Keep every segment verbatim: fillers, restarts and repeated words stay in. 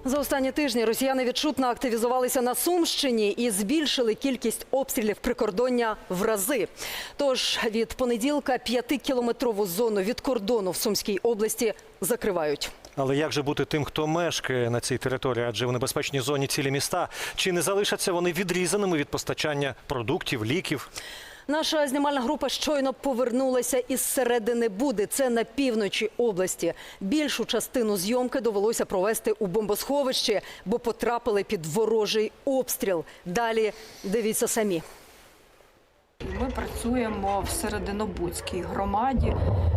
За останні тижні росіяни відчутно активізувалися на Сумщині і збільшили кількість обстрілів прикордоння в рази. Тож від понеділка п'ятикілометрову зону від кордону в Сумській області закривають. Але як же бути тим, хто мешкає на цій території, адже в небезпечній зоні цілі міста? Чи не залишаться вони відрізаними від постачання продуктів, ліків? Наша знімальна група щойно повернулася із середини Буди. Це на півночі області. Більшу частину зйомки довелося провести у бомбосховищі, бо потрапили під ворожий обстріл. Далі дивіться самі. Ми працюємо в Серединобудській громаді.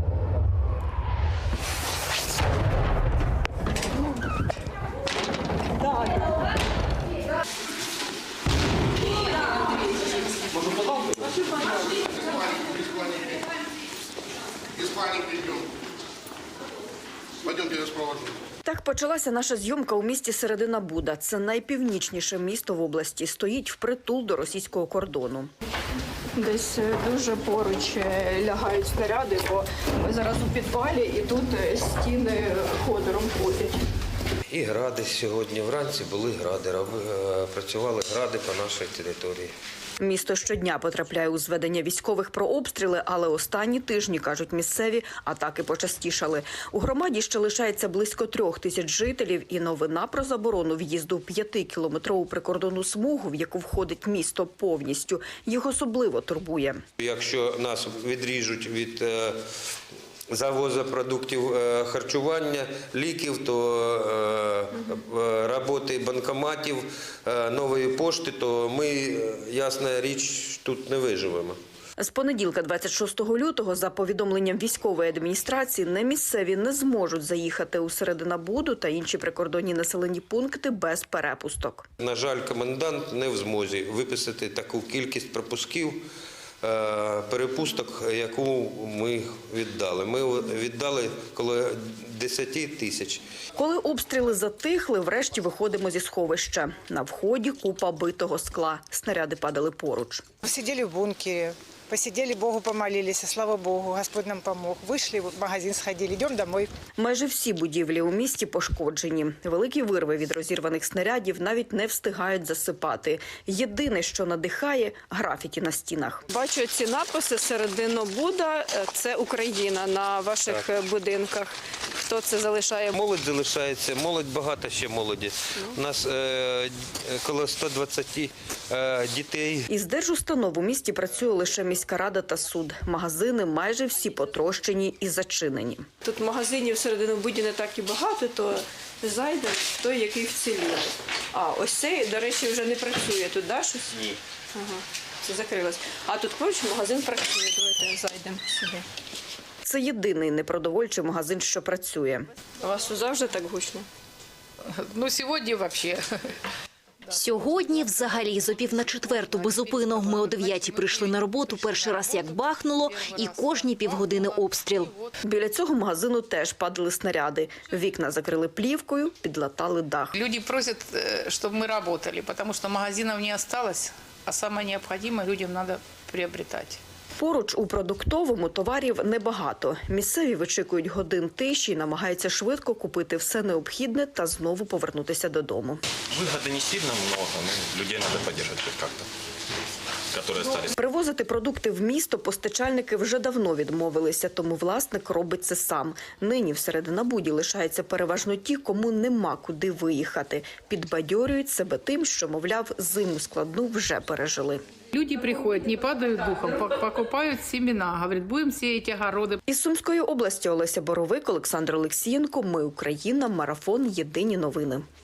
Так почалася наша зйомка у місті Середина Буда. Це найпівнічніше місто в області. Стоїть впритул до російського кордону. Десь дуже поруч лягають снаряди, бо ми зараз у підвалі і тут стіни ходором ходять. І гради сьогодні вранці були гради, працювали гради по нашій території. Місто щодня потрапляє у зведення військових про обстріли, але останні тижні, кажуть місцеві, атаки почастішали. У громаді ще лишається близько трьох тисяч жителів, і новина про заборону в'їзду в п'ятикілометрову прикордонну смугу, в яку входить місто повністю, їх особливо турбує. Якщо нас відріжуть від завозу продуктів харчування, ліків, то роботи банкоматів, нової пошти, то ми, ясна річ, тут не виживемо. З понеділка, двадцять шостого лютого, за повідомленням військової адміністрації, не місцеві не зможуть заїхати у Серединабуду та інші прикордонні населені пункти без перепусток. На жаль, комендант не в змозі виписати таку кількість пропусків, перепусток, яку ми віддали. Ми віддали коло десять тисяч. Коли обстріли затихли, врешті виходимо зі сховища. На вході купа битого скла. Снаряди падали поруч. Сиділи в бункері, посиділи, Богу помолилися, слава Богу, Господь нам помог. Вийшли, в магазин сходили, йдемо домой. Майже всі будівлі у місті пошкоджені. Великі вирви від розірваних снарядів навіть не встигають засипати. Єдине, що надихає – графіті на стінах. Бачу ці написи «Серединобуда» – це Україна на ваших так. будинках. Хто це залишає? Молодь залишається, молодь, багато ще молоді. У нас е, коло ста двадцяти е, дітей. Із держустанов у місті працює лише міська рада та суд. Магазини майже всі потрощені і зачинені. Тут магазинів в Серединобуді не так і багато, то зайдемо той, який вцілів. А, ось цей, до речі, вже не працює. Тут, да, щось? Ні. Ага, це закрилось. А тут поруч магазин працює. Давайте зайдемо сюди. Це єдиний непродовольчий магазин, що працює. У вас тут завжди так гучно? Ну, сьогодні взагалі. Сьогодні взагалі з опів на четверту безупинно. Ми о дев'ятій прийшли на роботу, перший раз як бахнуло, і кожні півгодини обстріл. Біля цього магазину теж падали снаряди. Вікна закрили плівкою, підлатали дах. Люди просять, щоб ми працювали, тому що магазинів не залишилось, а саме необхідне людям треба приобретати. Поруч у продуктовому товарів небагато. Місцеві вичікують годин тиші і намагаються швидко купити все необхідне та знову повернутися додому. Вигоди не сильно багато, але людей треба підтримати як-то. Привозити продукти в місто постачальники вже давно відмовилися, тому власник робить це сам. Нині в Серединабуді лишаються переважно ті, кому нема куди виїхати. Підбадьорюють себе тим, що, мовляв, зиму складну вже пережили. Люди приходять, не падають духом, покупають семена, говорять, будемо сіяти огороди. Із Сумської області Олеся Боровик, Олександр Олексієнко. Ми Україна. Марафон. Єдині новини.